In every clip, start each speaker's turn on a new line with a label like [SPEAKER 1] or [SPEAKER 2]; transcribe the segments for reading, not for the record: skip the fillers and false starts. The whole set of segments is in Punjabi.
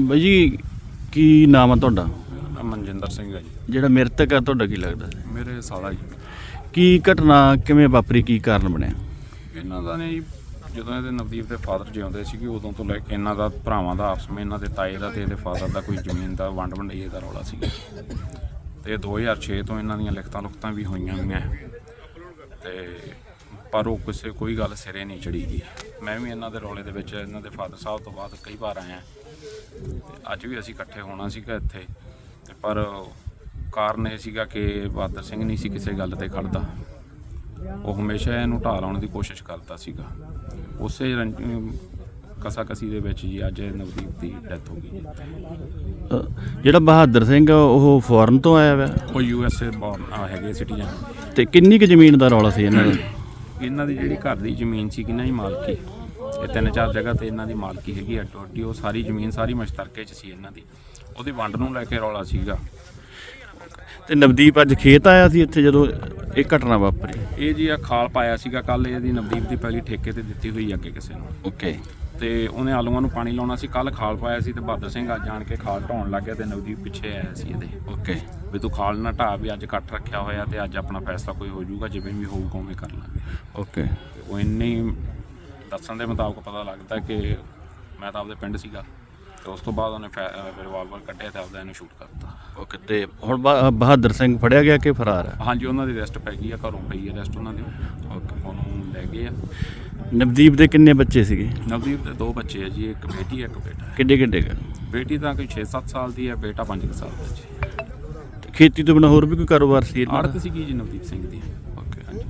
[SPEAKER 1] ਬਾਈ ਜੀ ਕੀ ਨਾਮ ਆ ਤੁਹਾਡਾ?
[SPEAKER 2] ਮੇਰਾ ਨਾਮ ਮਨਜਿੰਦਰ ਸਿੰਘ ਹੈ ਜੀ।
[SPEAKER 1] ਜਿਹੜਾ ਮ੍ਰਿਤਕ ਆ ਤੁਹਾਡਾ ਕੀ ਲੱਗਦਾ?
[SPEAKER 2] ਮੇਰੇ ਸਾਲਾ ਜੀ।
[SPEAKER 1] ਕੀ ਘਟਨਾ ਕਿਵੇਂ ਵਾਪਰੀ, ਕੀ ਕਾਰਨ ਬਣਿਆ?
[SPEAKER 2] ਇਹਨਾਂ ਦਾ ਨੇ ਜਦੋਂ ਇਹਦੇ ਨਵਦੀਪ ਦੇ ਫਾਦਰ ਜਿਉਂਦੇ ਸੀਗੇ ਉਦੋਂ ਤੋਂ ਲੈ ਕੇ ਇਹਨਾਂ ਦਾ ਭਰਾਵਾਂ ਦਾ ਆਪਸ ਵਿੱਚ ਇਹਨਾਂ ਦੇ ਤਾਏ ਦਾ ਤੇ ਇਹਦੇ ਫਾਦਰ ਦਾ ਕੋਈ ਜ਼ਮੀਨ ਦਾ ਵੰਡ ਵੰਡਈਏ ਦਾ ਰੌਲਾ ਸੀਗਾ ਤੇ 2006 ਤੋਂ ਇਹਨਾਂ ਦੀਆਂ ਲਿਖਤਾਂ ਵੀ ਹੋਈਆਂ ਹੋਈਆਂ ਤੇ ਪਰ ਉਹ ਕੋਈ ਗੱਲ ਸਿਰੇ ਨਹੀਂ ਚੜੀ ਗਈ। ਮੈਂ ਵੀ ਇਹਨਾਂ ਦੇ ਰੌਲੇ ਦੇ ਵਿੱਚ ਇਹਨਾਂ ਦੇ ਫਾਦਰ ਸਾਹਿਬ ਤੋਂ ਬਾਅਦ ਕਈ ਵਾਰ ਆਇਆ ਤੇ ਅੱਜ ਵੀ ਅਸੀਂ ਇਕੱਠੇ ਹੋਣਾ ਸੀਗਾ ਇੱਥੇ ਤੇ ਪਰ ਕਾਰਨ ਇਹ ਸੀਗਾ ਕਿ ਬਹਾਦਰ ਸਿੰਘ ਨਹੀਂ ਸੀ ਕਿਸੇ ਗੱਲ ਤੇ ਖੜਦਾ। ਉਹ ਹਮੇਸ਼ਾ ਇਹਨੂੰ ਢਾਹ ਲਾਉਣ ਦੀ ਕੋਸ਼ਿਸ਼ ਕਰਦਾ ਸੀਗਾ। ਉਸੇ ਕਸਾਕਸੀ ਦੇ ਵਿੱਚ ਜੀ ਅੱਜ ਨਵਦੀਪ ਦੀ ਡੈਥ ਹੋ ਗਈ ਜੀ।
[SPEAKER 1] ਜਿਹੜਾ ਬਹਾਦਰ ਸਿੰਘ ਉਹ ਫੋਰਨ ਤੋਂ ਆਇਆ ਵਾ?
[SPEAKER 2] ਉਹ USA ਬੌਰਨ ਹੈਗੇ ਸਿਟੀਜ਼ਨ।
[SPEAKER 1] ਤੇ ਕਿੰਨੀ ਕੁ ਜ਼ਮੀਨ ਦਾ ਰੌਲਾ ਸੀ ਇਹਨਾਂ ਦਾ?
[SPEAKER 2] ਇਹਨਾਂ ਦੀ ਜਿਹੜੀ ਘਰ ਦੀ ਜ਼ਮੀਨ ਸੀ ਕਿੰਨਾ ਹੀ ਮਾਲਕੀ, ਇਹ 3-4 ਜਗ੍ਹਾ ਤੇ ਇਹਨਾਂ ਦੀ ਮਾਲਕੀ ਹੈਗੀ ਅੱਡੋ ਅੱਡੀ। ਉਹ ਸਾਰੀ ਜ਼ਮੀਨ ਸਾਰੀ ਮਸ਼ਤਰਕੇ 'ਚ ਸੀ ਇਹਨਾਂ ਦੀ, ਉਹਦੀ ਵੰਡ ਨੂੰ ਲੈ ਕੇ ਰੌਲਾ ਸੀਗਾ।
[SPEAKER 1] ਤੇ ਨਵਦੀਪ ਅੱਜ ਖੇਤ ਆਇਆ ਸੀ ਇੱਥੇ ਜਦੋਂ ਇਹ ਘਟਨਾ ਵਾਪਰੀ?
[SPEAKER 2] ਇਹ ਜੀ ਆ ਖਾਲ ਪਾਇਆ ਸੀਗਾ ਕੱਲ, ਇਹਦੀ ਨਵਦੀਪ ਦੀ ਪਹਿਲੀ ਠੇਕੇ ਤੇ ਦਿੱਤੀ ਹੋਈ ਅੱਗੇ ਕਿਸੇ ਨੂੰ।
[SPEAKER 1] ਓਕੇ।
[SPEAKER 2] ਤੇ ਉਹਨੇ ਆਲੂਆਂ ਨੂੰ ਪਾਣੀ ਲਾਉਣਾ ਸੀ, ਕੱਲ ਖਾਲ ਪਾਇਆ ਸੀ ਤੇ ਬਹਾਦਰ ਸਿੰਘ ਅੱਜ ਜਾਣ ਕੇ ਖਾਲ ਢਾਉਣ ਲੱਗ ਗਿਆ ਤੇ ਨਵਦੀਪ ਪਿੱਛੇ ਆਇਆ ਸੀ ਇਹਦੇ।
[SPEAKER 1] ਓਕੇ।
[SPEAKER 2] ਵੀ ਤੂੰ ਖਾਲ ਨਾ ਢਾਹ, ਵੀ ਅੱਜ ਇਕੱਠ ਰੱਖਿਆ ਹੋਇਆ ਤੇ ਅੱਜ ਆਪਣਾ ਫੈਸਲਾ ਕੋਈ ਹੋ ਜਾਊਗਾ, ਜਿਵੇਂ ਵੀ ਹੋਊਗਾ ਉਵੇਂ ਕਰ ਲਾਂਗੇ।
[SPEAKER 1] ਓਕੇ।
[SPEAKER 2] ਉਹ ਇੰਨੇ ਦੱਸਣ ਦੇ ਮੁਤਾਬਕ ਪਤਾ ਲੱਗਦਾ ਕਿ ਮੈਂ ਤਾਂ ਆਪਦੇ ਪਿੰਡ ਸੀਗਾ ਤੇ ਉਸ ਤੋਂ ਬਾਅਦ ਉਹਨੇ ਰਿਵਾਲਵਰ ਕੱਢਿਆ ਤੇ ਆਪਦਾ ਇਹਨੂੰ ਸ਼ੂਟ ਕਰਤਾ।
[SPEAKER 1] ਓਕੇ। ਤੇ ਹੁਣ ਬਹਾਦਰ ਸਿੰਘ ਫੜਿਆ ਗਿਆ ਕਿ ਫਰਾਰ ਹੈ?
[SPEAKER 2] ਹਾਂਜੀ, ਉਹਨਾਂ ਦੀ ਅਰੈਸਟ ਪੈ ਗਈ ਆ, ਘਰੋਂ ਪਈ ਹੈ ਅਰੈਸਟ ਉਹਨਾਂ ਦੀ।
[SPEAKER 1] ਓਕੇ।
[SPEAKER 2] ਉਹਨੂੰ ਲੈ ਗਏ ਆ।
[SPEAKER 1] ਨਵਦੀਪ ਦੇ ਕਿੰਨੇ ਬੱਚੇ ਸੀਗੇ?
[SPEAKER 2] ਨਵਦੀਪ ਦੇ 2 ਬੱਚੇ ਆ ਜੀ, ਇੱਕ ਬੇਟੀ ਇੱਕ ਬੇਟਾ ਹੈ।
[SPEAKER 1] ਕਿੱਡੇ ਕਿੱਡੇ ਕੁ?
[SPEAKER 2] ਬੇਟੀ ਤਾਂ ਕੋਈ 6-7 ਸਾਲ ਦੀ ਹੈ, ਬੇਟਾ 5 ਸਾਲ ਦਾ ਜੀ।
[SPEAKER 1] ਤੇ ਖੇਤੀ ਤੋਂ ਬਿਨਾਂ ਹੋਰ ਵੀ ਕੋਈ ਕਾਰੋਬਾਰ ਸੀ ਇਹਨਾਂ ਦਾ?
[SPEAKER 2] ਆੜਤ ਸੀਗੀ ਜੀ ਨਵਦੀਪ ਸਿੰਘ ਦੀ।
[SPEAKER 1] ਓਕੇ। ਹਾਂਜੀ।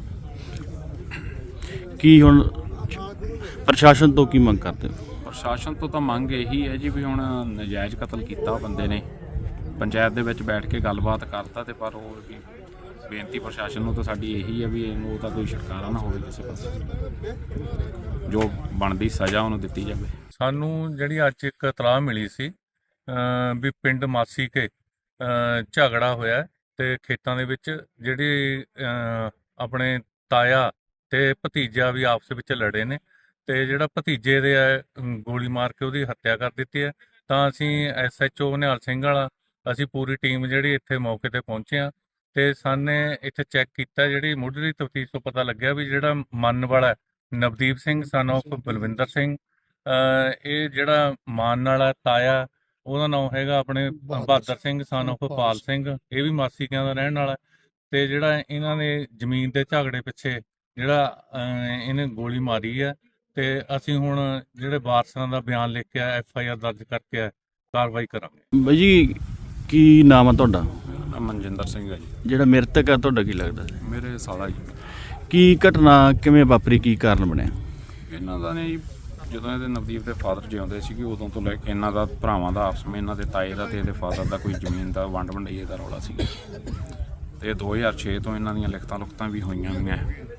[SPEAKER 1] ਕੀ ਹੁਣ ਪ੍ਰਸ਼ਾਸਨ ਤੋਂ ਕੀ ਮੰਗ ਕਰਦੇ ਹੋ?
[SPEAKER 2] ਪ੍ਰਸ਼ਾਸਨ ਤੋਂ ਤਾਂ ਮੰਗ ਇਹੀ ਹੈ ਜੀ ਵੀ ਹੁਣ ਨਜਾਇਜ਼ ਕਤਲ ਕੀਤਾ ਬੰਦੇ ਨੇ, ਪੰਚਾਇਤ ਦੇ ਵਿੱਚ ਬੈਠ ਕੇ ਗੱਲਬਾਤ ਕਰਤਾ ਤੇ ਪਰ ਉਹ ਵੀ ਬੇਨਤੀ ਪ੍ਰਸ਼ਾਸਨ ਨੂੰ ਤਾਂ ਸਾਡੀ ਇਹੀ ਹੈ ਵੀ ਇਹਨੂੰ ਉਹਦਾ ਕੋਈ ਛੁਟਕਾਰਾ ਨਾ ਹੋਵੇ ਕਿਸੇ ਪਾਸੇ, ਜੋ ਬਣਦੀ ਸਜ਼ਾ ਉਹਨੂੰ ਦਿੱਤੀ ਜਾਵੇ।
[SPEAKER 3] ਸਾਨੂੰ ਜਿਹੜੀ ਅੱਜ ਇੱਕ ਇਤਲਾਹ ਮਿਲੀ ਸੀ ਵੀ ਪਿੰਡ ਮਾਸੀ ਕੇ ਝਗੜਾ ਹੋਇਆ ਤੇ ਖੇਤਾਂ ਦੇ ਵਿੱਚ ਜਿਹੜੀ ਆਪਣੇ ਤਾਇਆ ਤੇ ਭਤੀਜਾ ਵੀ ਆਪਸ ਵਿੱਚ ਲੜੇ ਨੇ ਤੇ ਜਿਹੜਾ ਭਤੀਜੇ ਦੇ ਗੋਲੀ ਮਾਰ ਕੇ ਉਹਦੀ ਹੱਤਿਆ ਕਰ ਦਿੱਤੀ ਹੈ। ਤਾਂ ਅਸੀਂ SHO ਨਿਹਾਲ ਸਿੰਘ ਵਾਲਾ ਅਸੀਂ ਪੂਰੀ ਟੀਮ ਜਿਹੜੀ ਇੱਥੇ ਮੌਕੇ ਤੇ ਪਹੁੰਚੇ ਹਾਂ ਤੇ ਸਾਨੇ ਇੱਥੇ ਚੈੱਕ ਕੀਤਾ, ਜਿਹੜੀ ਮੁੱਢਲੀ ਤਫਤੀਸ਼ ਤੋਂ ਪਤਾ ਲੱਗਿਆ ਵੀ ਜਿਹੜਾ ਮੰਨ ਵਾਲਾ ਨਵਦੀਪ ਸਿੰਘ ਸਨ ਆਫ ਬਲਵਿੰਦਰ ਸਿੰਘ, ਇਹ ਜਿਹੜਾ ਮਾਨ ਵਾਲਾ ਤਾਇਆ ਉਹਦਾ ਨਾਮ ਹੈਗਾ ਆਪਣੇ ਬਹਾਦਰ ਸਿੰਘ ਸਨ ਆਫ ਪਾਲ ਸਿੰਘ, ਇਹ ਵੀ ਮਾਸੀਕਿਆਂ ਦਾ ਰਹਿਣ ਵਾਲਾ। ਤੇ ਜਿਹੜਾ ਇਹਨਾਂ ਨੇ ਜ਼ਮੀਨ ਦੇ ਝਗੜੇ ਪਿੱਛੇ ਜਿਹੜਾ ਇਹਨੇ ਗੋਲੀ ਮਾਰੀ ਹੈ ਤੇ ਅਸੀਂ ਹੁਣ ਜਿਹੜੇ ਵਾਰਸਾਂ ਦਾ ਬਿਆਨ ਲਿਖ ਕੇ FIR ਦਰਜ ਕਰਕੇ ਕਾਰਵਾਈ ਕਰਾਂਗੇ।
[SPEAKER 1] ਬਾਈ ਜੀ ਕੀ ਨਾਮ ਆ ਤੁਹਾਡਾ?
[SPEAKER 2] ਮੇਰਾ ਨਾਮ ਮਨਜਿੰਦਰ ਸਿੰਘ ਹੈ ਜੀ।
[SPEAKER 1] ਜਿਹੜਾ ਮ੍ਰਿਤਕ ਆ ਤੁਹਾਡਾ ਕੀ ਲੱਗਦਾ?
[SPEAKER 2] ਮੇਰੇ ਸਾਲਾ ਜੀ।
[SPEAKER 1] ਕੀ ਘਟਨਾ ਕਿਵੇਂ ਵਾਪਰੀ, ਕੀ ਕਾਰਨ ਬਣਿਆ?
[SPEAKER 2] ਇਹਨਾਂ ਦਾ ਨੇ ਜਦੋਂ ਇਹਦੇ ਨਵਦੀਪ ਦੇ ਫਾਦਰ ਜਿਉਂਦੇ ਸੀਗੇ ਉਦੋਂ ਤੋਂ ਲੈ ਕੇ ਇਹਨਾਂ ਦਾ ਭਰਾਵਾਂ ਦਾ ਆਪਸ ਵਿੱਚ ਇਹਨਾਂ ਦੇ ਤਾਏ ਦਾ ਤੇ ਇਹਦੇ ਫਾਦਰ ਦਾ ਕੋਈ ਜ਼ਮੀਨ ਦਾ ਵੰਡ ਵੰਡਈਏ ਦਾ ਰੌਲਾ ਸੀਗਾ ਤੇ 2006 ਤੋਂ ਇਹਨਾਂ ਦੀਆਂ ਲਿਖਤਾਂ ਵੀ ਹੋਈਆਂ ਹੋਈਆਂ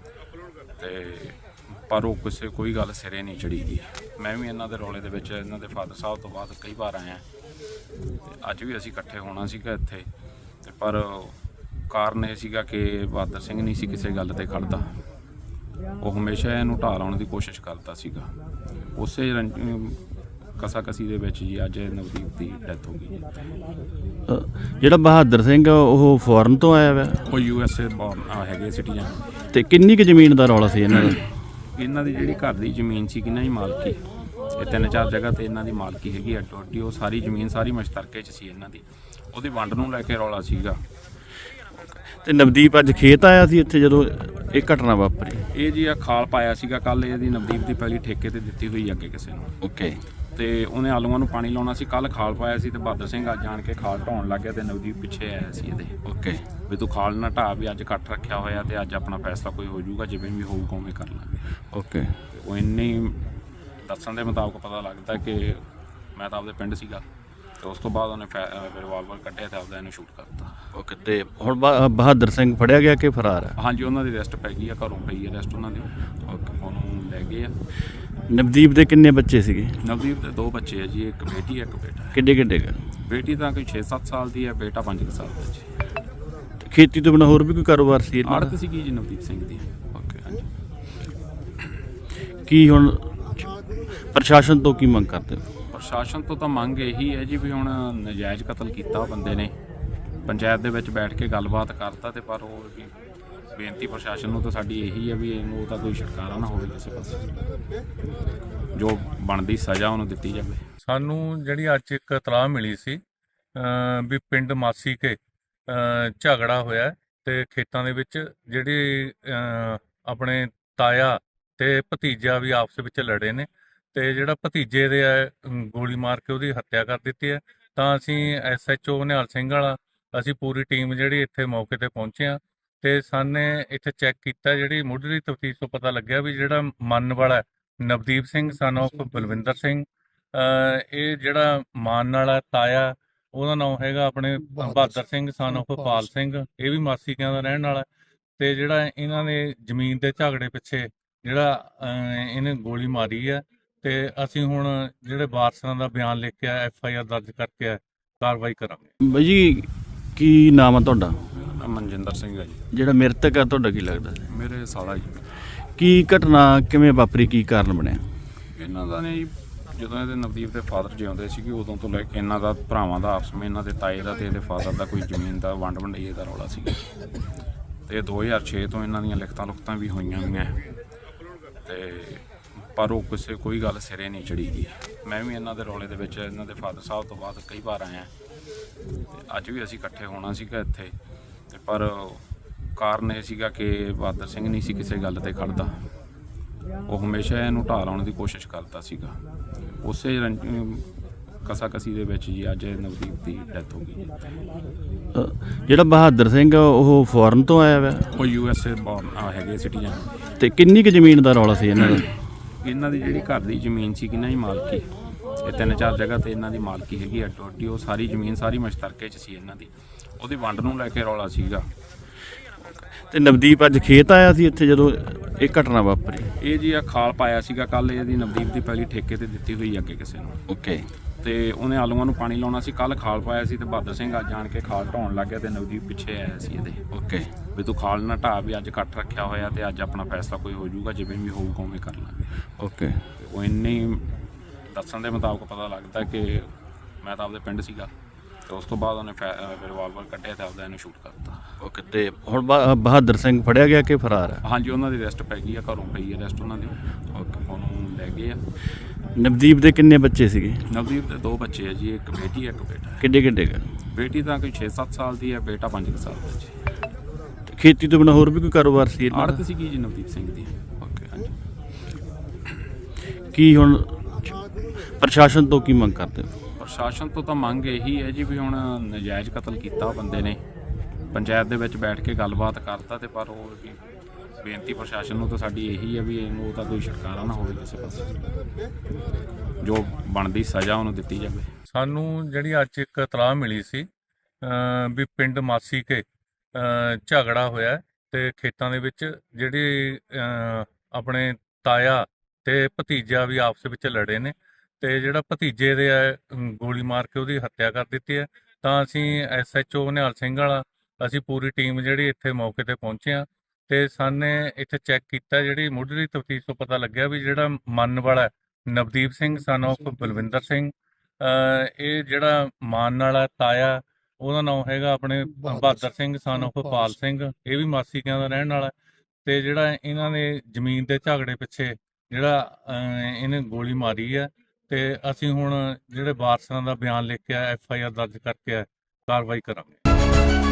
[SPEAKER 2] ਤੇ ਪਰ ਉਹ ਕੋਈ ਗੱਲ ਸਿਰੇ ਨਹੀਂ ਚੜੀ ਗਈ। ਮੈਂ ਵੀ ਇਹਨਾਂ ਦੇ ਰੌਲੇ ਦੇ ਵਿੱਚ ਇਹਨਾਂ ਦੇ ਫਾਦਰ ਸਾਹਿਬ ਤੋਂ ਬਾਅਦ ਕਈ ਵਾਰ ਆਇਆ ਤੇ ਅੱਜ ਵੀ ਅਸੀਂ ਇਕੱਠੇ ਹੋਣਾ ਸੀਗਾ ਇੱਥੇ ਤੇ ਪਰ ਕਾਰਨ ਇਹ ਸੀਗਾ ਕਿ ਬਹਾਦਰ ਸਿੰਘ ਨਹੀਂ ਸੀ ਕਿਸੇ ਗੱਲ ਤੇ ਖੜਦਾ। ਉਹ ਹਮੇਸ਼ਾ ਇਹਨੂੰ ਢਾਹ ਲਾਉਣ ਦੀ ਕੋਸ਼ਿਸ਼ ਕਰਦਾ ਸੀਗਾ। ਉਸੇ ਕਸਾਕਸੀ ਦੇ ਵਿੱਚ ਜੀ ਅੱਜ ਨਵਦੀਪ ਦੀ ਡੈਥ ਹੋ ਗਈ ਜੀ।
[SPEAKER 1] ਜਿਹੜਾ ਬਹਾਦਰ ਸਿੰਘ ਉਹ ਫੋਰਨ ਤੋਂ ਆਇਆ ਵਾ?
[SPEAKER 2] ਉਹ USA ਬੌਰਨ ਹੈਗੇ ਸਿਟੀਜ਼ਨ।
[SPEAKER 1] ਤੇ ਕਿੰਨੀ ਕੁ ਜ਼ਮੀਨ ਦਾ ਰੌਲਾ ਸੀ ਇਹਨਾਂ ਦਾ?
[SPEAKER 2] ਇਹਨਾਂ ਦੀ ਜਿਹੜੀ ਘਰ ਦੀ ਜ਼ਮੀਨ ਸੀ ਕਿੰਨਾ ਹੀ ਮਾਲਕੀ, ਇਹ 3-4 ਜਗ੍ਹਾ ਤੇ ਇਹਨਾਂ ਦੀ ਮਾਲਕੀ ਹੈਗੀ ਅੱਡੋ ਅੱਡੀ। ਉਹ ਸਾਰੀ ਜ਼ਮੀਨ ਸਾਰੀ ਮਸ਼ਤਰਕੇ 'ਚ ਸੀ ਇਹਨਾਂ ਦੀ, ਉਹਦੀ ਵੰਡ ਨੂੰ ਲੈ ਕੇ ਰੌਲਾ ਸੀਗਾ।
[SPEAKER 1] ਤੇ ਨਵਦੀਪ ਅੱਜ ਖੇਤ ਆਇਆ ਸੀ ਇੱਥੇ ਜਦੋਂ ਇਹ ਘਟਨਾ ਵਾਪਰੀ?
[SPEAKER 2] ਇਹ ਜੀ ਆ ਖਾਲ ਪਾਇਆ ਸੀਗਾ ਕੱਲ, ਇਹਦੀ ਨਵਦੀਪ ਦੀ ਪਹਿਲੀ ਠੇਕੇ ਤੇ ਦਿੱਤੀ ਹੋਈ ਅੱਗੇ ਕਿਸੇ ਨੂੰ।
[SPEAKER 1] ਓਕੇ।
[SPEAKER 2] ਤੇ ਉਹਨੇ ਆਲੂਆਂ ਨੂੰ ਪਾਣੀ ਲਾਉਣਾ ਸੀ, ਕੱਲ ਖਾਲ ਪਾਇਆ ਸੀ ਤੇ ਬਹਾਦਰ ਸਿੰਘ ਅੱਜ ਜਾਣ ਕੇ ਖਾਲ ਢਾਉਣ ਲੱਗ ਗਿਆ ਤੇ ਨਵਦੀਪ ਪਿੱਛੇ ਆਇਆ ਸੀ ਇਹਦੇ।
[SPEAKER 1] ਓਕੇ।
[SPEAKER 2] ਵੀ ਤੂੰ ਖਾਲ ਨਾ ਢਾਹ, ਵੀ ਅੱਜ ਇਕੱਠ ਰੱਖਿਆ ਹੋਇਆ ਤੇ ਅੱਜ ਆਪਣਾ ਫੈਸਲਾ ਕੋਈ ਹੋ ਜਾਊਗਾ, ਜਿਵੇਂ ਵੀ ਹੋਊਗਾ ਉਵੇਂ ਕਰ ਲਾਂਗੇ।
[SPEAKER 1] ਓਕੇ।
[SPEAKER 2] ਉਹ ਇੰਨੇ ਦੱਸਣ ਦੇ ਮੁਤਾਬਕ ਪਤਾ ਲੱਗਦਾ ਕਿ ਮੈਂ ਤਾਂ ਆਪਦੇ ਪਿੰਡ ਸੀਗਾ ਤੇ ਉਸ ਤੋਂ ਬਾਅਦ ਉਹਨੇ ਰਿਵਾਲਵਰ ਕੱਢਿਆ ਤੇ ਆਪਦਾ ਇਹਨੂੰ ਸ਼ੂਟ ਕਰਤਾ।
[SPEAKER 1] ਓਕੇ। ਤੇ ਹੁਣ ਬਹਾਦਰ ਸਿੰਘ ਫੜਿਆ ਗਿਆ ਕਿ ਫਰਾਰ ਹੈ?
[SPEAKER 2] ਹਾਂਜੀ, ਉਹਨਾਂ ਦੀ ਅਰੈਸਟ ਪੈ ਗਈ ਆ, ਘਰੋਂ ਪਈ ਹੈ ਅਰੈਸਟ ਉਹਨਾਂ ਦੀ।
[SPEAKER 1] ਓਕੇ।
[SPEAKER 2] ਉਹਨੂੰ ਲੈ ਗਏ ਆ।
[SPEAKER 1] ਨਵਦੀਪ ਦੇ ਕਿੰਨੇ ਬੱਚੇ ਸੀਗੇ?
[SPEAKER 2] ਨਵਦੀਪ ਦੇ 2 ਬੱਚੇ ਆ ਜੀ, ਇੱਕ ਬੇਟੀ ਇੱਕ ਬੇਟਾ ਹੈ।
[SPEAKER 1] ਕਿੱਡੇ ਕਿੱਡੇ ਕੁ?
[SPEAKER 2] ਬੇਟੀ ਤਾਂ ਕੋਈ 6-7 ਸਾਲ ਦੀ ਹੈ, ਬੇਟਾ 5 ਸਾਲ ਦਾ ਜੀ।
[SPEAKER 1] ਤੇ ਖੇਤੀ ਤੋਂ ਬਿਨਾਂ ਹੋਰ ਵੀ ਕੋਈ ਕਾਰੋਬਾਰ ਸੀ ਇਹਨਾਂ ਦਾ?
[SPEAKER 2] ਆੜਤ ਸੀਗੀ ਜੀ ਨਵਦੀਪ ਸਿੰਘ ਦੀ।
[SPEAKER 1] ਓਕੇ। ਹਾਂਜੀ। ਕੀ ਹੁਣ ਪ੍ਰਸ਼ਾਸਨ ਤੋਂ ਕੀ ਮੰਗ ਕਰਦੇ ਹੋ?
[SPEAKER 2] ਪ੍ਰਸ਼ਾਸਨ ਤੋਂ ਤਾਂ ਮੰਗ ਇਹੀ ਹੈ ਜੀ ਵੀ ਹੁਣ ਨਜਾਇਜ਼ ਕਤਲ ਕੀਤਾ ਬੰਦੇ ਨੇ, ਪੰਚਾਇਤ ਦੇ ਵਿੱਚ ਬੈਠ ਕੇ ਗੱਲਬਾਤ ਕਰਤਾ, ਤੇ ਪਰ ਉਹ ਵੀ ਬੇਨਤੀ ਪ੍ਰਸ਼ਾਸਨ ਨੂੰ ਤਾਂ ਸਾਡੀ ਇਹੀ ਹੈ ਵੀ ਇਹਨੂੰ ਤਾਂ ਕੋਈ ਛੁਟਕਾਰਾ ਨਾ ਹੋਵੇ ਕਿਸੇ ਪਾਸੇ, ਜੋ ਬਣਦੀ ਸਜ਼ਾ ਉਹਨੂੰ ਦਿੱਤੀ ਜਾਵੇ।
[SPEAKER 3] ਸਾਨੂੰ ਜਿਹੜੀ ਅੱਜ ਇੱਕ ਇਤਲਾਹ ਮਿਲੀ ਸੀ ਵੀ ਪਿੰਡ ਮਾਸੀ ਕੇ ਝਗੜਾ ਹੋਇਆ ਹੈ ਤੇ ਖੇਤਾਂ ਦੇ ਵਿੱਚ ਜਿਹੜੀ ਆਪਣੇ ਤਾਇਆ ਤੇ ਭਤੀਜਾ ਵੀ ਆਪਸ ਵਿੱਚ ਲੜੇ ਨੇ, ਤੇ ਜਿਹੜਾ ਭਤੀਜੇ ਦੇ ਗੋਲੀ ਮਾਰ ਕੇ ਉਹਦੀ ਹੱਤਿਆ ਕਰ ਦਿੱਤੀ ਹੈ। ਤਾਂ ਅਸੀਂ SHO ਨਿਹਾਲ ਸਿੰਘ ਵਾਲਾ ਅਸੀਂ ਪੂਰੀ ਟੀਮ ਜਿਹੜੀ ਇੱਥੇ ਮੌਕੇ ਤੇ ਪਹੁੰਚੇ ਹਾਂ, ਤੇ ਸਾਨੇ ਇੱਥੇ ਚੈੱਕ ਕੀਤਾ, ਜਿਹੜੀ ਮੁੱਢਲੀ ਤਫਤੀਸ਼ ਤੋਂ ਪਤਾ ਲੱਗਿਆ ਵੀ ਜਿਹੜਾ ਮੰਨ ਵਾਲਾ ਨਵਦੀਪ ਸਿੰਘ ਸਨ ਆਫ ਬਲਵਿੰਦਰ ਸਿੰਘ, ਇਹ ਜਿਹੜਾ ਮਾਨ ਵਾਲਾ ਤਾਇਆ ਉਹਦਾ ਨਾਮ ਹੈਗਾ ਆਪਣੇ ਬਹਾਦਰ ਸਿੰਘ ਸਨ ਆਫ ਪਾਲ ਸਿੰਘ, ਇਹ ਵੀ ਮਾਸੀਕਿਆਂ ਦਾ ਰਹਿਣ ਵਾਲਾ, ਤੇ ਜਿਹੜਾ ਇਹਨਾਂ ਨੇ ਜ਼ਮੀਨ ਦੇ ਝਗੜੇ ਪਿੱਛੇ ਜਿਹੜਾ ਇਹਨੇ ਗੋਲੀ ਮਾਰੀ ਹੈ, ਤੇ ਅਸੀਂ ਹੁਣ ਜਿਹੜੇ ਵਾਰਸਾਂ ਦਾ ਬਿਆਨ ਲਿਖ ਕੇ FIR ਦਰਜ ਕਰਕੇ ਕਾਰਵਾਈ ਕਰਾਂਗੇ।
[SPEAKER 1] ਬਾਈ ਜੀ ਕੀ ਨਾਮ ਆ ਤੁਹਾਡਾ?
[SPEAKER 2] ਮੇਰਾ ਨਾਮ ਮਨਜਿੰਦਰ ਸਿੰਘ ਹੈ ਜੀ।
[SPEAKER 1] ਜਿਹੜਾ ਮ੍ਰਿਤਕ ਆ ਤੁਹਾਡਾ ਕੀ ਲੱਗਦਾ?
[SPEAKER 2] ਮੇਰੇ ਸਾਲਾ ਜੀ।
[SPEAKER 1] ਕੀ ਘਟਨਾ ਕਿਵੇਂ ਵਾਪਰੀ, ਕੀ ਕਾਰਨ ਬਣਿਆ?
[SPEAKER 2] ਇਹਨਾਂ ਦਾ ਨੇ ਜੀ, ਜਦੋਂ ਇਹਦੇ ਨਵਦੀਪ ਦੇ ਫਾਦਰ ਜਿਉਂਦੇ ਸੀਗੇ ਉਦੋਂ ਤੋਂ ਲੈ ਕੇ ਇਹਨਾਂ ਦਾ ਭਰਾਵਾਂ ਦਾ ਆਪਸ ਵਿੱਚ, ਇਹਨਾਂ ਦੇ ਤਾਏ ਦਾ ਤੇ ਇਹਦੇ ਫਾਦਰ ਦਾ ਕੋਈ ਜ਼ਮੀਨ ਦਾ ਵੰਡ ਵੰਡਈਏ ਦਾ ਰੌਲਾ ਸੀਗਾ, ਤੇ 2006 ਤੋਂ ਇਹਨਾਂ ਦੀਆਂ ਲਿਖਤਾਂ ਵੀ ਹੋਈਆਂ ਗਈਆਂ, ਤੇ ਪਰ ਉਹ ਕੋਈ ਗੱਲ ਸਿਰੇ ਨਹੀਂ ਚੜੀ ਗਈ। ਮੈਂ ਵੀ ਇਹਨਾਂ ਦੇ ਰੌਲੇ ਦੇ ਵਿੱਚ ਇਹਨਾਂ ਦੇ ਫਾਦਰ ਸਾਹਿਬ ਤੋਂ ਬਾਅਦ ਕਈ ਵਾਰ ਆਇਆ, ਤੇ ਅੱਜ ਵੀ ਅਸੀਂ ਇਕੱਠੇ ਹੋਣਾ ਸੀਗਾ ਇੱਥੇ, ਤੇ ਪਰ ਕਾਰਨ ਇਹ ਸੀਗਾ ਕਿ ਬਹਾਦਰ ਸਿੰਘ ਨਹੀਂ ਸੀ ਕਿਸੇ ਗੱਲ ਤੇ ਖੜਦਾ, ਉਹ ਹਮੇਸ਼ਾ ਇਹਨੂੰ ਢਾਹ ਲਾਉਣ ਦੀ ਕੋਸ਼ਿਸ਼ ਕਰਦਾ ਸੀਗਾ। ਉਸੇ ਕਸਾਕਸੀ ਦੇ ਵਿੱਚ ਜੀ ਅੱਜ ਨਵਦੀਪ ਦੀ ਡੈਥ ਹੋ ਗਈ ਜੀ।
[SPEAKER 1] ਜਿਹੜਾ ਬਹਾਦਰ ਸਿੰਘ ਉਹ ਫੋਰਨ ਤੋਂ ਆਇਆ ਵਾ?
[SPEAKER 2] ਉਹ USA ਬੌਰਨ ਹੈਗੇ ਸਿਟੀਜ਼ਨ।
[SPEAKER 1] ਤੇ ਕਿੰਨੀ ਕੁ ਜ਼ਮੀਨ ਦਾ ਰੌਲਾ ਸੀ ਇਹਨਾਂ ਦਾ?
[SPEAKER 2] ਇਹਨਾਂ ਦੀ ਜਿਹੜੀ ਘਰ ਦੀ ਜ਼ਮੀਨ ਸੀ ਕਿੰਨਾ ਹੀ ਮਾਲਕੀ, ਇਹ 3-4 ਜਗ੍ਹਾ ਤੇ ਇਹਨਾਂ ਦੀ ਮਾਲਕੀ ਹੈਗੀ ਅੱਡੋ ਅੱਡੀ, ਉਹ ਸਾਰੀ ਜ਼ਮੀਨ ਸਾਰੀ ਮਸ਼ਤਰਕੇ 'ਚ ਸੀ ਇਹਨਾਂ ਦੀ, ਉਹਦੀ ਵੰਡ ਨੂੰ ਲੈ ਕੇ ਰੌਲਾ ਸੀਗਾ।
[SPEAKER 1] ਤੇ ਨਵਦੀਪ ਅੱਜ ਖੇਤ ਆਇਆ ਸੀ ਇੱਥੇ ਜਦੋਂ ਇਹ ਘਟਨਾ ਵਾਪਰੀ?
[SPEAKER 2] ਇਹ ਜੀ ਆ ਖਾਲ ਪਾਇਆ ਸੀਗਾ ਕੱਲ, ਇਹਦੀ ਨਵਦੀਪ ਦੀ ਪਹਿਲੀ ਠੇਕੇ ਤੇ ਦਿੱਤੀ ਹੋਈ ਅੱਗੇ ਕਿਸੇ ਨੂੰ,
[SPEAKER 1] ਓਕੇ,
[SPEAKER 2] ਤੇ ਉਹਨੇ ਆਲੂਆਂ ਨੂੰ ਪਾਣੀ ਲਾਉਣਾ ਸੀ, ਕੱਲ ਖਾਲ ਪਾਇਆ ਸੀ, ਤੇ ਬਹਾਦਰ ਸਿੰਘ ਅੱਜ ਜਾਣ ਕੇ ਖਾਲ ਢਾਉਣ ਲੱਗ ਗਿਆ, ਤੇ ਨਵਦੀਪ ਪਿੱਛੇ ਆਇਆ ਸੀ ਇਹਦੇ,
[SPEAKER 1] ਓਕੇ,
[SPEAKER 2] ਵੀ ਤੂੰ ਖਾਲ ਨਾ ਢਾਹ, ਵੀ ਅੱਜ ਇਕੱਠ ਰੱਖਿਆ ਹੋਇਆ ਤੇ ਅੱਜ ਆਪਣਾ ਫੈਸਲਾ ਕੋਈ ਹੋ ਜਾਊਗਾ, ਜਿਵੇਂ ਵੀ ਹੋਊਗਾ ਉਵੇਂ ਕਰ ਲਾਂਗੇ।
[SPEAKER 1] ਓਕੇ,
[SPEAKER 2] ਉਹ ਇੰਨੀ ਦੱਸਣ ਦੇ ਮੁਤਾਬਕ ਪਤਾ ਲੱਗਦਾ ਕਿ ਮੈਂ ਤਾਂ ਆਪਦੇ ਪਿੰਡ ਸੀਗਾ, ਤੇ ਉਸ ਤੋਂ ਬਾਅਦ ਉਹਨੇ ਰਿਵਾਲਵਰ ਕੱਢਿਆ ਤੇ ਆਪਦਾ ਇਹਨੂੰ ਸ਼ੂਟ ਕਰਤਾ।
[SPEAKER 1] ਓਕੇ। ਤੇ ਹੁਣ ਬਹਾਦਰ ਸਿੰਘ ਫੜਿਆ ਗਿਆ ਕਿ ਫਰਾਰ ਹੈ?
[SPEAKER 2] ਹਾਂਜੀ, ਉਹਨਾਂ ਦੀ ਅਰੈਸਟ ਪੈ ਗਈ ਆ, ਘਰੋਂ ਪਈ ਅਰੈਸਟ ਉਹਨਾਂ ਦੀ,
[SPEAKER 1] ਓਕੇ।
[SPEAKER 2] ਉਹਨੂੰ ਲੈ ਗਏ ਆ।
[SPEAKER 1] ਨਵਦੀਪ ਦੇ ਕਿੰਨੇ ਬੱਚੇ ਸੀਗੇ?
[SPEAKER 2] ਨਵਦੀਪ ਦੇ 2 ਬੱਚੇ ਆ ਜੀ, ਇੱਕ ਬੇਟੀ ਇੱਕ ਬੇਟਾ ਹੈ।
[SPEAKER 1] ਕਿੱਡੇ ਕਿੱਡੇ ਕੁ?
[SPEAKER 2] ਬੇਟੀ ਤਾਂ ਕੋਈ 6-7 ਸਾਲ ਦੀ ਹੈ, ਬੇਟਾ 5 ਸਾਲ ਦਾ ਜੀ।
[SPEAKER 1] ਤੇ ਖੇਤੀ ਤੋਂ ਬਿਨਾਂ ਹੋਰ ਵੀ ਕੋਈ ਕਾਰੋਬਾਰ ਸੀ ਇਹਨਾਂ ਦਾ?
[SPEAKER 2] ਆੜਤ ਸੀਗੀ ਜੀ ਨਵਦੀਪ ਸਿੰਘ ਦੀ।
[SPEAKER 1] ਓਕੇ, ਹਾਂਜੀ। ਕੀ ਹੁਣ ਪ੍ਰਸ਼ਾਸਨ ਤੋਂ ਕੀ ਮੰਗ ਕਰਦੇ ਹੋ?
[SPEAKER 2] ਪ੍ਰਸ਼ਾਸਨ ਤੋਂ ਤਾਂ ਮੰਗ ਇਹੀ ਹੈ ਜੀ ਵੀ ਹੁਣ ਨਜਾਇਜ਼ ਕਤਲ ਕੀਤਾ ਬੰਦੇ ਨੇ, ਪੰਚਾਇਤ ਦੇ ਵਿੱਚ ਬੈਠ ਕੇ ਗੱਲਬਾਤ ਕਰਤਾ, ਤੇ ਪਰ ਉਹ ਵੀ ਬੇਨਤੀ ਪ੍ਰਸ਼ਾਸਨ ਨੂੰ ਤਾਂ ਸਾਡੀ ਇਹੀ ਹੈ ਵੀ ਇਹਨੂੰ ਤਾਂ ਕੋਈ ਛੁਟਕਾਰਾ ਨਾ ਹੋਵੇ ਕਿਸੇ ਪਾਸੇ, ਜੋ ਬਣਦੀ ਸਜ਼ਾ ਉਹਨੂੰ ਦਿੱਤੀ ਜਾਵੇ।
[SPEAKER 3] ਸਾਨੂੰ ਜਿਹੜੀ ਅੱਜ ਇੱਕ ਇਤਲਾਹ ਮਿਲੀ ਸੀ ਵੀ ਪਿੰਡ ਮਾਸੀ ਕੇ ਝਗੜਾ ਹੋਇਆ ਹੈ ਤੇ ਖੇਤਾਂ ਦੇ ਵਿੱਚ ਜਿਹੜੀ ਆਪਣੇ ਤਾਇਆ ਤੇ ਭਤੀਜਾ ਵੀ ਆਪਸ ਵਿੱਚ ਲੜੇ ਨੇ, ਤੇ ਜਿਹੜਾ ਭਤੀਜੇ ਦੇ ਗੋਲੀ ਮਾਰ ਕੇ ਉਹਦੀ ਹੱਤਿਆ ਕਰ ਦਿੱਤੀ ਹੈ। ਤਾਂ ਅਸੀਂ SHO ਨਿਹਾਲ ਸਿੰਘ ਵਾਲਾ ਅਸੀਂ ਪੂਰੀ ਟੀਮ ਜਿਹੜੀ ਇੱਥੇ ਮੌਕੇ ਤੇ ਪਹੁੰਚੇ ਹਾਂ, ਤੇ ਸਾਨੇ ਇੱਥੇ ਚੈੱਕ ਕੀਤਾ, ਜਿਹੜੀ ਮੁੱਢਲੀ ਤਫਤੀਸ਼ ਤੋਂ ਪਤਾ ਲੱਗਿਆ ਵੀ ਜਿਹੜਾ ਮੰਨ ਵਾਲਾ ਨਵਦੀਪ ਸਿੰਘ ਸਨ ਆਫ ਬਲਵਿੰਦਰ ਸਿੰਘ, ਇਹ ਜਿਹੜਾ ਮਾਨ ਵਾਲਾ ਤਾਇਆ ਉਹਦਾ ਨਾਮ ਹੈਗਾ ਆਪਣੇ ਬਹਾਦਰ ਸਿੰਘ ਸਨ ਆਫ ਪਾਲ ਸਿੰਘ, ਇਹ ਵੀ ਮਾਸੀਕਿਆਂ ਦਾ ਰਹਿਣ ਵਾਲਾ, ਤੇ ਜਿਹੜਾ ਇਹਨਾਂ ਨੇ ਜ਼ਮੀਨ ਦੇ ਝਗੜੇ ਪਿੱਛੇ ਜਿਹੜਾ ਇਹਨੇ ਗੋਲੀ ਮਾਰੀ ਹੈ, ਤੇ ਅਸੀਂ ਹੁਣ ਜਿਹੜੇ ਵਾਰਸਾਂ ਦਾ ਬਿਆਨ ਲਿਖ ਕੇ FIR ਦਰਜ ਕਰਕੇ ਕਾਰਵਾਈ ਕਰਾਂਗੇ।